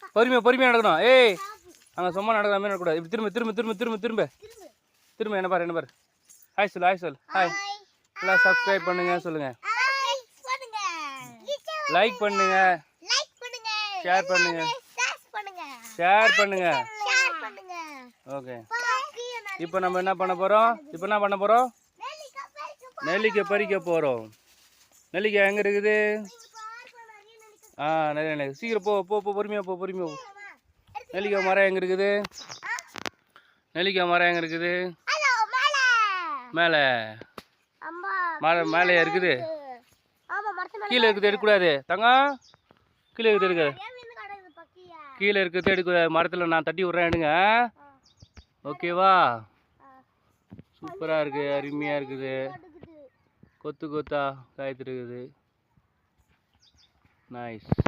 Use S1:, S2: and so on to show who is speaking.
S1: பொறுமையாக நடக்கணும். ஏய் அங்கே சும்மா நடக்கிற மாதிரி நடக்கூடாது. இப்படி திரும்ப என்ன பாரு. ஹாய் சொல். ஹாய் எல்லாம் சப்ஸ்கிரைப் பண்ணுங்க சொல்லுங்கள். லைக் பண்ணுங்க, ஷேர் பண்ணுங்க. ஓகே, இப்போ நம்ம என்ன பண்ண போகிறோம்? நெல்லிக்காய் பறிக்க போகிறோம். நெல்லிக்காய் எங்கே இருக்குது? நிறைய சீக்கிரம் போ பொறுமையாக போ. நெல்லிக்காய் மரம் எங்கே இருக்குது? மேலே மேலேயா இருக்குது? கீழே இருக்குது எடுக்கக்கூடாது தங்கம். கீழே இருக்கிறது எடுக்க மரத்தில் நான் தட்டி விட்றேன், எடுங்க. ஓகேவா? சூப்பராக இருக்குது, அருமையாக இருக்குது. கொத்தா காய்த்துருக்குது. நைஸ்.